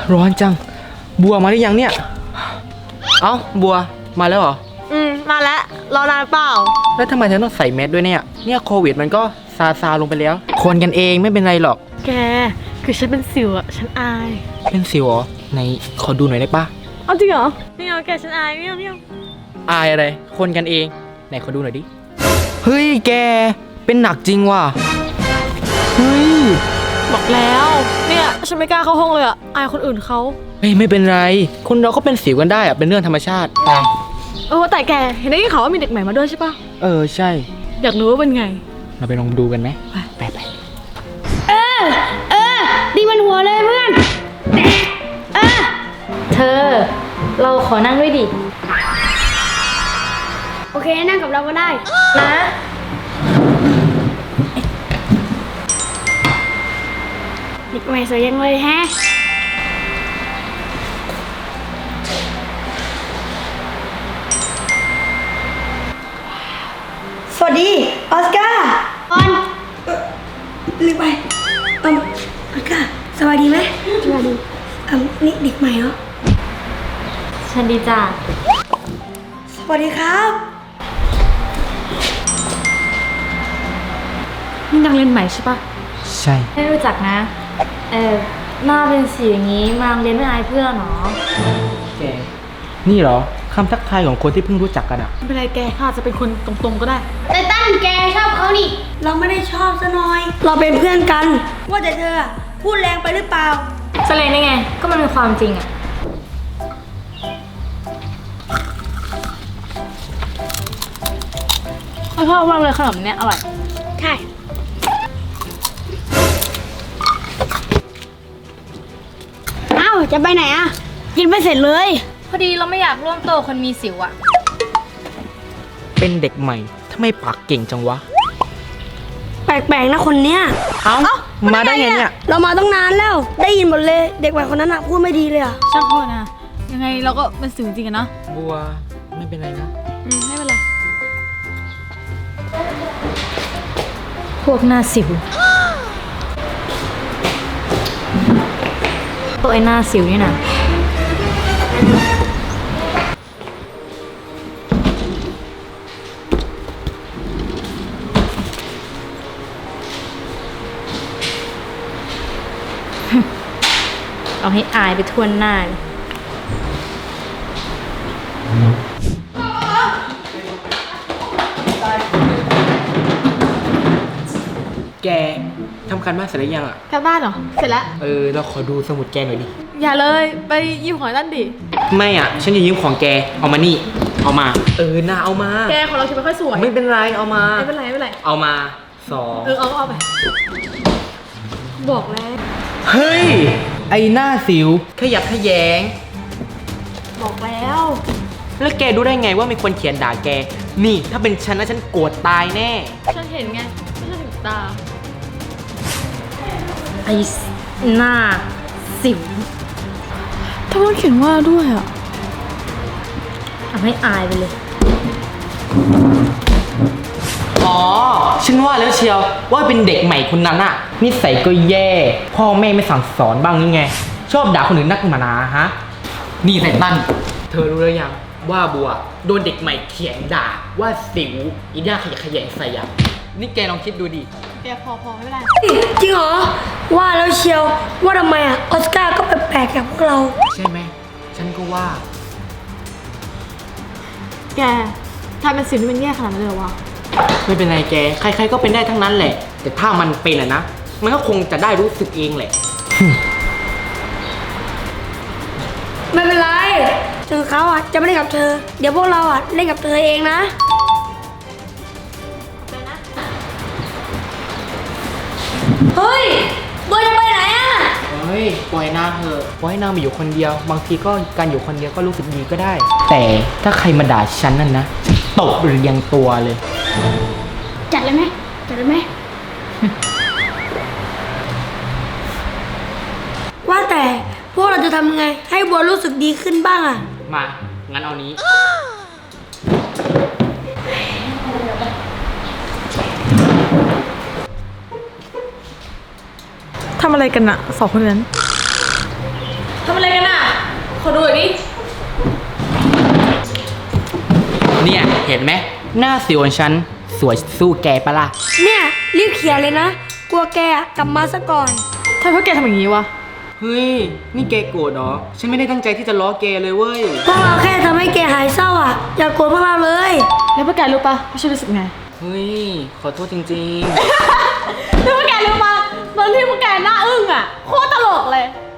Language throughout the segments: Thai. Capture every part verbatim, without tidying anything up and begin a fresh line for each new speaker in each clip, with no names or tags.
ร้อนจังบัวมาหรือยังเนี่ยเอ้าบัวมาแล้วเหรอ
อืมมาแล้วรอนานเปล่า
แล้วทำไมเธอต้องใส่แมสด้วยเนี่ยเนี่ยโควิดมันก็ซาซาลงไปแล้วคนกันเองไม่เป็นไรหรอก
แกคือฉันเป็นสิวอะฉันอาย
เป็นสิวเหรอไหนขอดูหน่อยได้ปะ
เอาจริงเหรอไม่เอาแกฉันอายไม่เอาไม่เอา
อายอะไรคนกันเองไหนขอดูหน่อยดิเฮ้ยแกเป็นหนักจริงว่ะเฮ้ย
บอกแล้วเนี่ยฉันไม่กล้าเข้าห้องเลยอะอายคนอื่นเขา
เฮ้ยไม่เป็นไรคนเราก็เป็นสิวกันได้อะเป็นเรื่องธรรมชาติไป
เออแต่แกเห็นได้ยินข่าวว่ามีเด็กใหม่มาด้วยใช่ปะ
เออใช่
อยากรู้ว่าเป็นไง
เราไปลองดูกันไหมไปไป
เออเออดีมันหัวเลยเพื่อนเออ
เธอเราขอนั่งด้วยดิ
โอเคนั่งกับเราก็ได้
นะ
เด็กใหม่สวยยังเลยแฮะ
สวัสดีออสการ์
ออน
ลืมไปเอ่อออสการ์สวัสดีไหม
สวัสดี
เอ่อนี่เด็กใหม่เหรอ
ฉันดีจ้ะ
สวัสดีครับ
นี่นักเรียนใหม่ใช่ปะ
ใช่
ไม่รู้จักนะเออหน้าเป็นสีอย่างนี้มาเรียนไม่อายเพื่อนหรอ
แกนี่เหรอคำทักทายของคนที่เพิ่งรู้จักกันอ่ะ
ไม่เป็นไรแกเขาอาจจะเป็นคนตรงๆก็ได้
แต่ตั้นแกชอบเขานี่
เราไม่ได้ชอบซะหน่อยเราเป็นเพื่อนกันว่าแต่เธอพูดแรงไปหรือเปล่า
แสดงได้ไงก็มันเป็นความจริงอ่ะ
ไม่ชอบมากเลยขนมเนี้ยอร่อย
ใช่อ้าวจะไปไหนอ่ะกินไม่เสร็จเลย
พอดีเราไม่อยากร่วมโต๊ะคนมีสิวอ่ะ
เป็นเด็กใหม่ทำไมปากเก่งจังวะ
แปลกๆนะคนเนี้ย
เอ้ามาได้ไงเนี่ย
เรามาต้องนานแล้วได้ยินหมดเลยเด็กใหม่คนนั้นอะพูดไม่ดีเลยอะ
ช่างเขานะยังไงเราก็เป็นสิวจริงกันเนาะ
บัวไม่เป็นไรนะ
อืมไม่เป็นไร
พวกหน้าสิวตัวไอ้หน้าสิวนี่นะเอาให้อายไปทั่วหน้า
แกทำการบ้านเสร็จหรือยังอ่ะ
การบ้านเหรอเสร็จแล้ว
เออเราขอดูสมุดแกหน่อยดิ
อย่าเลยไปยืมของนั่นดิ
ไม่อ่ะฉันจะยืมของแกเอามานี่เอามาเออน่าเอามา
แกของเราคิดไม่ค่อยสวย
ไม่เป็นไรเอามา
ไม่เป็นไรไม่เป็นไร
เอามาสอง
เออเอาเอาไปบอกแล้ว
เฮ้ยไอหน้าสิวขยับขยง
บอกแล้ว
แล้วแกรู้ได้ไงว่ามีคนเขียนด่าแกนี่ถ้าเป็นฉันนะฉันโกรธตายแน่
ฉันเห็นไงไม่ใช่ถึงตา
ไอหน้าสิว
ทำไมเขียนว่าด้วยอ่ะ
ทำให้อายไปเลย
อ๋อฉันว่าแล้วเชียวว่าเป็นเด็กใหม่คนนั้นอะนิสัยก็แย่พ่อแม่ไม่สั่งสอนบ้างนี่ไงชอบด่าคนอื่นนักหนาฮะนี่ไททันเธอรู้หรือยังว่าบัวโดนเด็กใหม่เขียนด่าว่าสิวอีด้าขยะขยงใส่อะนี่แกลองคิดดูดิ
แกพอพอไม่เป็นไร
จริงเหรอว่าแล้วเชียวว่าทำไมอะออสการ์ก็แปลกๆกับพวกเรา
ใช่ไหมฉันก็ว่า
แกทำเป็นสิวที่มันแย่ขนาดนั้นเลยวะ
ไม่เป็นไรแกใครๆก็เป็นได้ทั้งนั้นแหละแต่ถ้ามันเป็นอะนะมันก็คงจะได้รู้สึกเองแหละ
ไม่เป็นไรถึงเขาอะจะไม่เล่นกับเธอเดี๋ยวพวกเราอะเล่นกับเธอเองนะเฮ้ยบัวจะไปไหนอะ
เฮ้ยปล่อยนางเถอะปล่อยนางไปอยู่คนเดียวบางทีก็การอยู่คนเดียวก็รู้สึกดีก็ได้แต่ถ้าใครมาด่าฉันนั่นนะตบเรียงตัวเลย
จัดเลยไหมจัดเลยไหม
ว่าแต่พวกเราจะทำไงให้บัวรู้สึกดีขึ้นบ้างอะ
มางั้นเอานี้
ทำอะไรกันอะสองคนนั้นทำอะไรกันอ่ะ ขอดูหน่อยดิ
เนี่ยเห็นไหมหน้าสิวของฉันสวยสู้แกปะล่ะ
เนี่ยรีบเขียนเลยนะ กลัวแกอะกลับมาซะก่อน
ทำไมพวกแกทำอย่างนี้วะ
เฮ้ยนี่แกโกรธเหรอฉันไม่ได้ตั้งใจที่จะล้อแกเลยเว้ย
พวกเราแค่ทำให้แกหายเศร้าอ่ะ อย่ากลัวพวกเราเลย
แล้วพวกแกรู้ปะว่าฉันรู้สึกไง
เฮ้ยขอโทษจริง
แล้วพวกแกรู้ปะตอนที่พวกแกหน้าอึ้งอ่ะ โคตรตลกเลย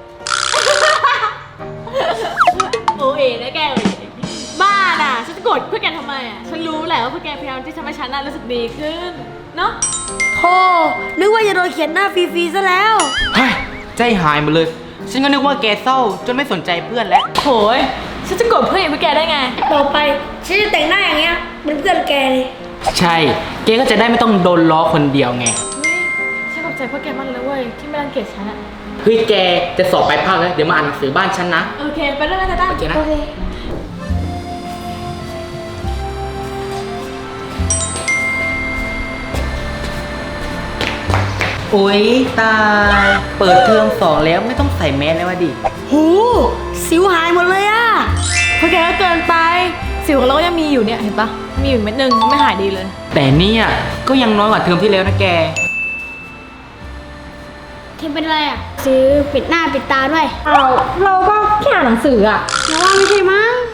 โอเอ๋นะแกเอ๋บ้าน่ะ ฉันจะโกรธพวกแกทำไมอ่ะ ฉันรู้แหละว่าพวกแกพยายามที่จะทำให้ฉันน่ะรู้สึกดีขึ้น เนาะ
โธ่นึกว่าจะโดนเขียนหน้าฟรีๆซะแล้ว
ๆเฮ้ยใจหายหมดเลย ฉันก็นึกว่าแกเศร้าจนไม่สนใจเพื่อนแล้ว
โหยฉันจะโกรธเพื่อนอย่างพวกแกได้ไง
ต่อไปฉันจะแต่งหน้าอย่างเงี้ยเป็นเพื่อนแกเลย
ใช่แกก็จะได้ไม่ต้องโดนล้อคนเดียวไง
เฮ้ย ฉันขอบใจพวกแกมากเลยเว้ยที่ไม่รังเกียจฉันอะ
เฮ้ยแกจะสอบไปลายภาคแล้วเดี๋ยวมาอ่านหนังสือบ้านฉันนะ
โอเค ไปเรื่องอะไรกัน
โอเคนะ
โอเค
โอ๊ยตาย เปิดเทอมสองแล้วไม่ต้องใส่แมสแล้ววะดิ
หูสิวหายหมดเลยอ่ะ
พวกแกก็เกินไป สิวของเราก็ยังมีอยู่เนี่ย เห็นปะมีอยู่เม็ดนึงไม่หายดีเลย
แต่เนี่ยก็ยังน้อยกว่าเทอมที่แล้วนะแก
เทมเป็นอะไรอ่ะ ซื้อปิดหน้าปิดตาด้วย
เราเราก็แค่อ่านหนังสืออะ
แล้วว่าไม่ใช่มั้ง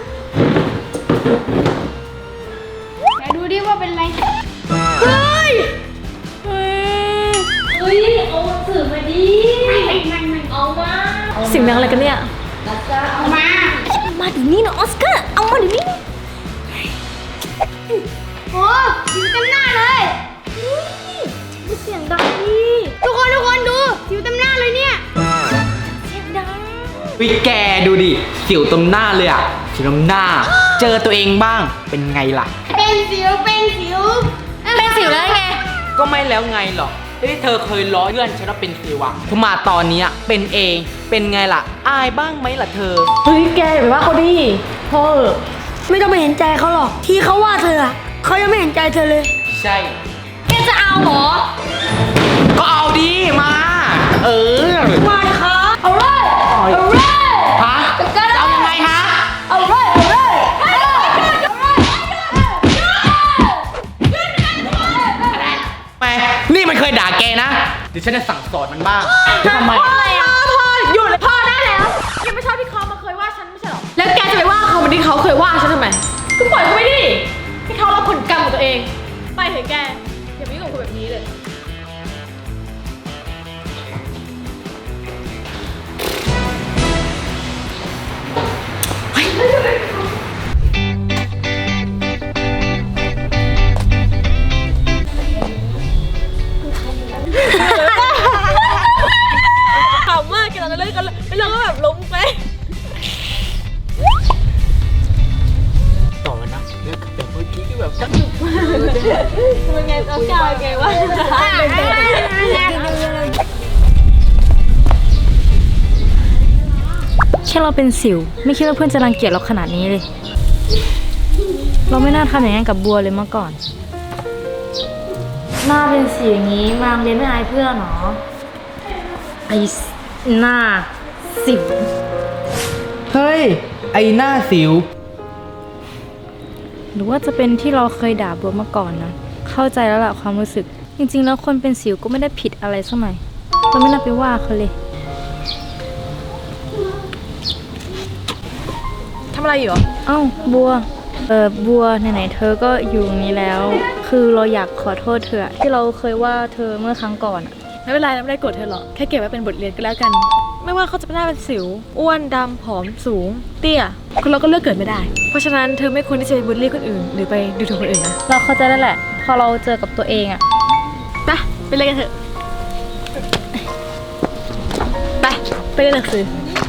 เดี๋ยวดูดิว่าเป็นอะไร เฮ้ย
เฮ้ย
เฮ้ย เอาหนังสือมาดิ เอามา
เสิ่งดังอะไรกันเนี่ย
เอามา
มาเดี๋ยวนี้นะออสการ์ เอามาเดี๋ยวนี้
โอ้สิวเต็มหน้าเลย
ไม่เสียงดังดิ
ทุกคนทุกคนดูสิวเต็มหน้าเลยเนี่ย
เสียงดัง
วิแกดูดิสิวตรงหน้าเลยอะสิวตรงหน้า เจอตัวเองบ้างเป็นไงล่ะ
เป็นสิวเป็นสิว
เป็นสิวแล้วไง
ก็ไม่แล้วไงหรอกที่เธอเคยล้อเพื่อนฉันว่าเป็นสิวอะพอมาตอนเนี้ยเป็นเองเป็นไงล่ะ อายบ้างไหมล่ะเธอ
เฮ้ย แกอย่าไปว่าเขาดิพ่อเออ
ไม่ต้องไปเห็นใจเขาหรอก ที่เขาว่าเธออะเขายังไม่เห็นใจเธอเลย
ใช่
แกจะเอาเหรอ
ก็เอาดีมา เออ
มาดิครับ
เอาเลย เอาเลย
ฮะจะเอายังไงฮะ
เอาเลย เอาเลยเอาเลย
แหมนี่มันเคยด่าแกนะเดี๋ยวฉันจะสั่งสอนมันบ้างจะทำไม
พ่ออะไรอ่ะพ่อหยุดเลยพ่อได้แล้วแกไม่ชอบที่เขามาเคยว่าฉันไม่ใช่หรอ แล้วแกจะไปว่าเขาเหมือนที่เขาเคยว่าฉันทำไมก็ปล่อยเขาไปดิให้เขารับผลกรรมของตัวเอง ไปเถอะแก อย่าไปยุ่งกับคนแบบนี้เลย ขำมากกันแล้วเล่นกันแล้วก็แบบล้มไป
ต่อนะเรื่องกับแบบเมื่อกี้ที่แบบ
มันไงต้องกายไงวะ
แค่เราเป็นสิว ไม่คิดว่าเพื่อนจะรังเกียจเราขนาดนี้เลย เราไม่น่าทำอย่างนั้นกับบัวเลยเมื่อก่อนหน้าเป็นสีอย่างนี้มาโรงเรียนไม่อายเพื่อนหรอไอ้หน้าสิว
เฮ้ย ไอหน้าสิว
หรือว่าจะเป็นที่เราเคยด่าบัวมาก่อนนะ เข้าใจแล้วล่ะความรู้สึก จริงๆ แล้วคนเป็นสิวก็ไม่ได้ผิดอะไรสักหน่อยเราไม่น่าไปว่าเขาเลย
ทำอะไรอยู่
เอ้าบัว เออบัวไหนๆเธอก็อยู่ตรงนี้แล้ว คือเราอยากขอโทษเธออะที่เราเคยว่าเธอเมื่อครั้งก่อนอะ
ไม่เป็นไรไม่ได้โกรธเธอหรอก แค่เก็บไว้เป็นบทเรียนก็แล้วกัน ไม่ว่าเขาจะเป็นหน้าเป็นสิว อ้วน ดำ ผอม สูง เตี้ยคนเราก็เลือกเกิดไม่ได้ เพราะฉะนั้นเธอไม่ควรที่จะไปบูลลี่คนอื่น หรือไปดูถูกคนอื่นนะ
เราเข้าใจแล้วแหละ พอเราเจอกับตัวเองอะ
ไปไปเรียนกันเถอะ ไปไปเรียนหนังสือ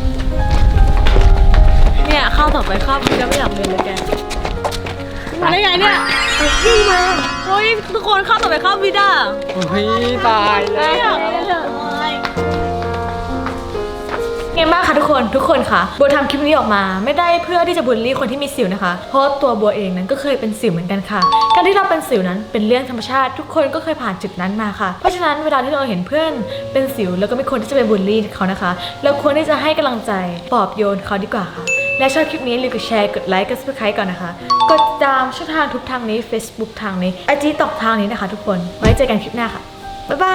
เนี่ยข้าวต่อไปข้าวพี่ก็ไม่อยากเรียนเลยแก มาได้ไงเนี่ยพี่มาโอ้ยทุกคนข้าวต่อไปข้าวพี่ด้า
เฮ้ยตายแล้ว
ไม่อยากเรียนเลยแกไงบ้างคะทุกคนทุกคนค่ะบัวทำคลิปนี้ออกมาไม่ได้เพื่อที่จะบูลลี่คนที่มีสิวนะคะเพราะตัวบัวเองนั้นก็เคยเป็นสิวเหมือนกันค่ะการที่เราเป็นสิวนั้นเป็นเรื่องธรรมชาติทุกคนก็เคยผ่านจุดนั้นมาค่ะเพราะฉะนั้นเวลาที่เราเห็นเพื่อนเป็นสิวแล้วก็ไม่ควรที่จะไปบูลลี่เขานะคะเราควรที่จะให้กำลังใจปลอบโยนเขาดีกว่าค่ะและชอบคลิปนี้อย่าลืมกดแชร์กดไลค์กด ซับสไครบ์ ก่อนนะคะกดติดตามช่องทางทุกทางนี้ Facebook ทางนี้ ไอ จี ตอกทางนี้นะคะทุกคนไว้เจอกันคลิปหน้าค่ะบ๊ายบาย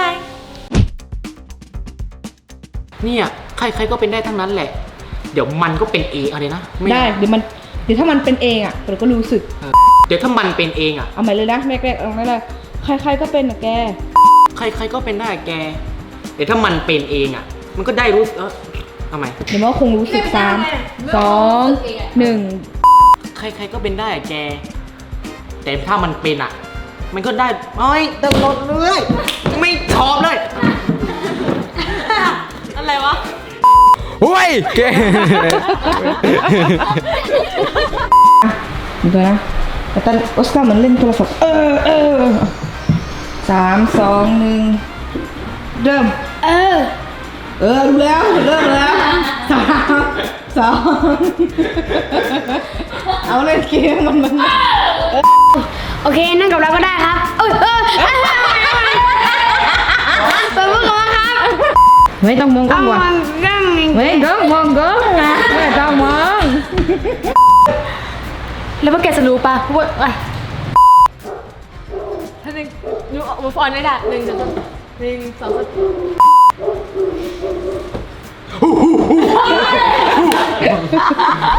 เนี่ยใครๆก็เป็นได้ทั้งนั้นแหละ เดี๋ยวมันก็เป็นเองอะไรนะม่
ได้เดี๋ยวมันเดี๋ยวถ้ามันเป็นเองอ่ะเราก็รู้สึก
เออเดี๋ยวถ้ามันเป็นเองอ่ะ
เอาใหม่เลยนะแรกๆเอาไม่เลยใครๆก็เป็นนะแก
ใครๆก็เป็นได้แก เดี๋ยวถ้ามันเป็นเองอ่ะ มันก็ได้รู้เออทำไม
เดี๋ยวมันก็คงรู้สึกสามสองหนึ่ง
ใครๆก็เป็นได้แก แต่ถ้ามันเป็นอ่ะ มันก็ได้เอ้ยตลอดเลยไม่ชอบเลย
อะไรวะ
โอ้ยแก
ดูตัวนะแต่ตอนออสการ์เหมือนเล่นโทรศัพท์เออเออสามสองหนึ่งเริ่ม
เออ
เออรู้แล้วเริ่มแล้วสามสองเอาเล่นเกมมันมัน
โอเคนั่งกับเราก็ได้ครับเออเออเปิดมือก่อนครับ
ไม่ต้องมองกล้
เอา
องว่ะ
มันนั่ง
ไม่ต้องมองกล้องนะไม่ต้องมอง
แล้วพวกแกจะรู้ปะว่าอ่ะท่านึงดูมูฟออนได้ละหนึ่งสองสามหนึ่งสองสาม